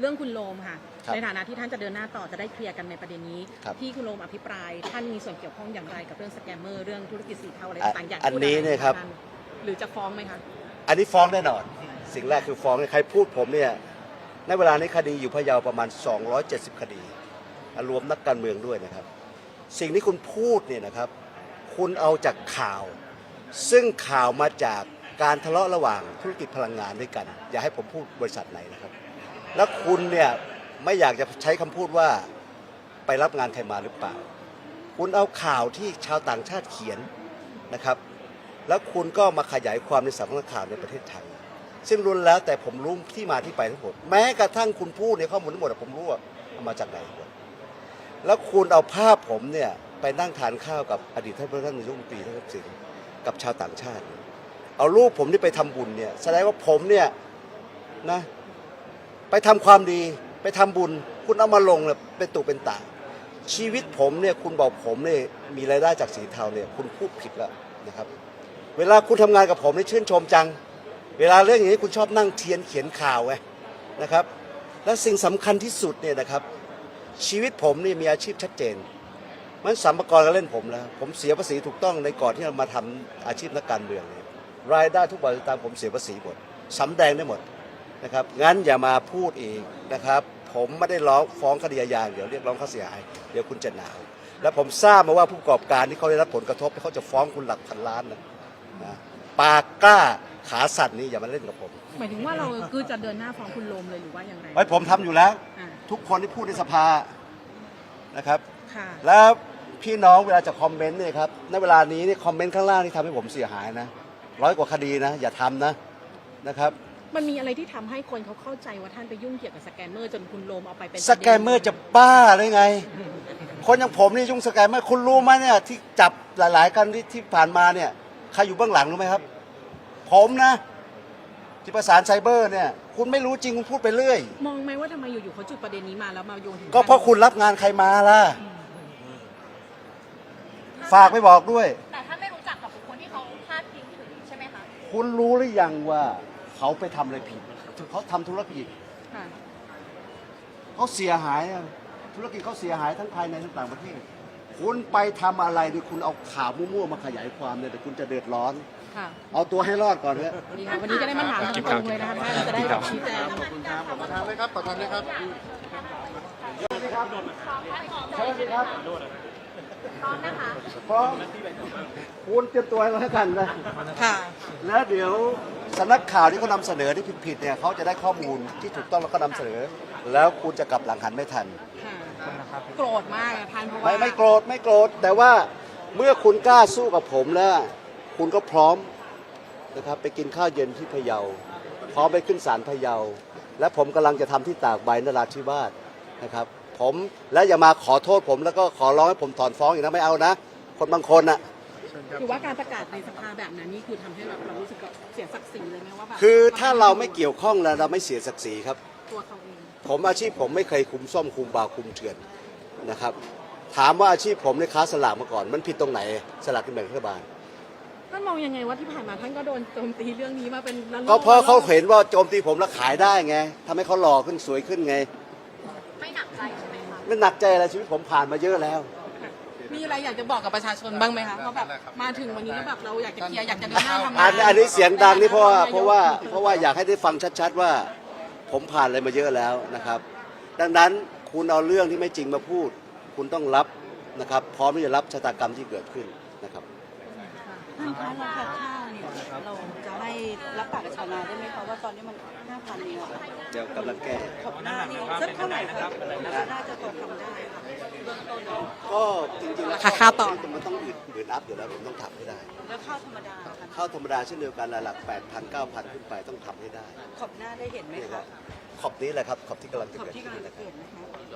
เรื่องคุณโรมค่ะครับในฐานะที่ท่านจะเดินหน้าต่อจะได้เคลียร์กันในประเด็นนี้ครับที่คุณโรมอภิปรายท่านมีส่วนเกี่ยวข้องอย่างไรกับเรื่องสแกมเมอร์เรื่องธุรกิจสีเทาอะไรต่างๆอยากอันพูดนี้อะไรเนี่ยครับท่านหรือจะฟ้องไหมคะอันนี้ฟ้องแน่นอน สิ่งแรกคือฟ้องใครพูดผมเนี่ยในเวลานี้คดีอยู่พะเยาประมาณ 270 คดีรวมนักการเมืองด้วยนะครับ สิ่งที่คุณพูดเนี่ยนะครับ คุณเอาจากข่าว ซึ่งข่าวมาจากการทะเลาะระหว่างธุรกิจพลังงานด้วยกัน อย่าให้ผมพูดบริษัทไหนนะครับ แล้วคุณเนี่ยไม่อยากจะใช้คำพูดว่าไปรับงานใครมาหรือเปล่า คุณเอาข่าวที่ชาวต่างชาติเขียนนะครับ แล้วคุณก็มาขยายความในสำนักข่าวในประเทศไทย ซึ่งรุนแล้วแต่ผมรู้ที่มาที่ไปทั้งหมด แม้กระทั่งคุณพูดในข้อมูลทั้งหมดผมรู้ว่าเอามาจากไหนหมดแล้วคุณเอาภาพผมเนี่ยไปนั่งทานข้าวกับอดีตท่านนายกรัฐมนตรีท่านทักษิณกับชาวต่างชาติ เอารูปผมที่ไปทำบุญเนี่ยแสดงว่าผมเนี่ยนะไปทำความดีไปทำบุญ คุณเอามาลงเนี่ยเป็นตุเป็นตาชีวิตผมเนี่ยคุณบอกผมเนี่ยมีรายได้จากสีเทาเนี่ยคุณพูดผิดแล้วนะครับ เวลาคุณทำงานกับผมนี่ชื่นชมจัง เวลาเรื่องอย่างนี้คุณชอบนั่งเทียนเขียนข่าวไงนะครับ และสิ่งสำคัญที่สุดเนี่ยนะครับ ชีวิตผมนี่มีอาชีพชัดเจนมันสรรพากรก็เล่นผมแล้วผมเสียภาษีถูกต้องในก่อนที่จะมาทำอาชีพนักการเมืองเนี่ยรายได้ทุกบาททุกสตางค์ผมเสียภาษีหมดสำแดงได้หมดนะครับงั้นอย่ามาพูดอีกนะครับ ผมไม่ได้ร้องฟ้องคดีอาญาเดี๋ยวเรียกร้องค่าเสียหายเดี๋ยวคุณจะหนาวและผมทราบมาว่าผู้ประกอบการที่เขาได้รับผลกระทบเขาจะฟ้องคุณหลักพันล้านนะปากกล้าขาสั่นนี่อย่ามาเล่นกับผมหมายถึงว่าเราคือจะเดินหน้าฟ้องคุณโรมเลยหรือว่าอย่างไรไว้ผมทำอยู่แล้วอ่าทุกคนที่พูดในสภานะครับค่ะแล้วพี่น้องเวลาจะคอมเมนต์เนี่ยครับในเวลานี้นี่คอมเมนต์ข้างล่างที่ทำให้ผมเสียหายนะ100 กว่าคดีนะอย่าทำนะครับมันมีอะไรที่ทำให้คนเขาเข้าใจว่าท่านไปยุ่งเกี่ยวกับสแกมเมอร์จนคุณโรมเอาไปเป็นสแกมเมอร์จะบ้าเลยไง คนอย่างผมนี่ยุ่งสแกมเมอร์คุณรู้ไหมเนี่ยที่จับหลายๆกันที่ผ่านมาเนี่ยใครอยู่เบื้องหลังรู้ไหมครับ ผมนะที่ประสานไซเบอร์เนี่ยคุณไม่รู้จริงคุณพูดไปเรื่อยมองไหมว่าทำไมอยู่ๆเขาจุดประเด็นนี้มาแล้วมาโยนถึงก็เพราะคุณรับงานใครมาล่ะฝากไปบอกด้วยแต่ถ้าไม่รู้จักกับบุคคลที่เขาพาดพิงถึงใช่ไหมคะคุณรู้หรือยังว่าเขาไปทำอะไรผิดเขาทำธุรกิจค่ะเขาเสียหายอะธุรกิจเขาเสียหายทั้งภายในทั้งต่างประเทศคุณไปทำอะไรโดยคุณเอาข่าวมั่วๆมาขยายความเนี่ยแต่คุณจะเดือดร้อนค่ะเอาตัวให้รอดก่อนเถอะดีค่ะวันนี้จะได้มาถามตรงๆเลยนะคะท่านจะได้ชี้แจงขอบคุณครับขอประทานเลยครับประทานเลยครับเชิญครับเชิญครับพร้อมนะคะพร้อมคุณเตรียมตัวให้แล้วกันนะค่ะแล้วเดี๋ยวสำนักข่าวที่เขานำเสนอที่ผิดๆเนี่ยเขาจะได้ข้อมูลที่ถูกต้องแล้วก็นำเสนอ แล้วคุณจะกลับหลังหันไม่ทันค่ะโกรธมากอะท่านเพราะว่าไม่โกรธไม่โกรธแต่ว่าเมื่อคุณกล้าสู้กับผมแล้ว คุณก็พร้อมนะครับไปกินข้าวเย็นที่พะเยาพร้อมไปขึ้นศาลพะเยาและผมกำลังจะทำที่ตากใบนราธิวาสนะครับผมและอย่ามาขอโทษผมแล้วก็ขอร้องให้ผมถอนฟ้องอีกนะไม่เอานะ คนบางคนน่ะคือว่าการประกาศในสภาแบบนั้นนี่คือทำให้เรารู้สึกเสียศักดิ์ศรีเลยไหมว่าแบบคือถ้าเราไม่เกี่ยวข้องแล้วเราไม่เสียศักดิ์ศรีครับตัวเขาเองผมอาชีพผมไม่เคยคุมส้มคุมบาคุมเถื่อนนะครับถามว่าอาชีพผมในค้าสลากมาก่อนมันผิดตรงไหนสลากกินแบ่งรัฐบาลท่านมองยังไงว่าที่ผ่านมาท่านก็โดนโจมตีเรื่องนี้มาเป็นระลอกก็เพราะเขาเห็นว่าโจมตีผมแล้วขายได้ไงทำให้เขาหล่อขึ้นสวยขึ้นไงไม่หนักใจใช่ไหมคะไม่หนักใจอะไรชีวิตผมผ่านมาเยอะแล้วมีอะไรอยากจะบอกกับประชาชนบ้างไหมคะเพราะแบบมาถึงวันนี้แล้วแบบเราอยากจะเคลียร์อยากจะเดินหน้าทำงานอันนี้เสียงดังนี่เพราะว่าอยากให้ได้ฟังชัดๆว่าผมผ่านอะไรมาเยอะแล้วนะครับ ดังนั้นคุณเอาเรื่องที่ไม่จริงมาพูด คุณต้องรับนะครับพร้อมที่จะรับชะตากรรมที่เกิดขึ้นนะครับท่านคะราคาข้าวเนี่ยเราจะให้รับปากกับชาวนาได้ไหมคะว่าตอนนี้มัน 5,000เนี่ยเดี๋ยวกำลังแก้ขอบหน้านี่สักเท่าไหร่ครับน่าจะพอทำได้ค่ะเบื้องต้นก็จริงๆแล้วราคาต่อมันต้องอื่นอัพอยู่แล้วผมต้องทำให้ได้แล้วข้าวธรรมดาค่ะข้าวธรรมดาเช่นเดียวกันหลัก 8,000 9,000 ขึ้นไปต้องทำให้ได้ขอบหน้าได้เห็นไหมคะขอบนี้แหละครับขอบที่กำลังจะขอบเกิดที่ขึ้กำลันงนะจะครับเกิดนะคะ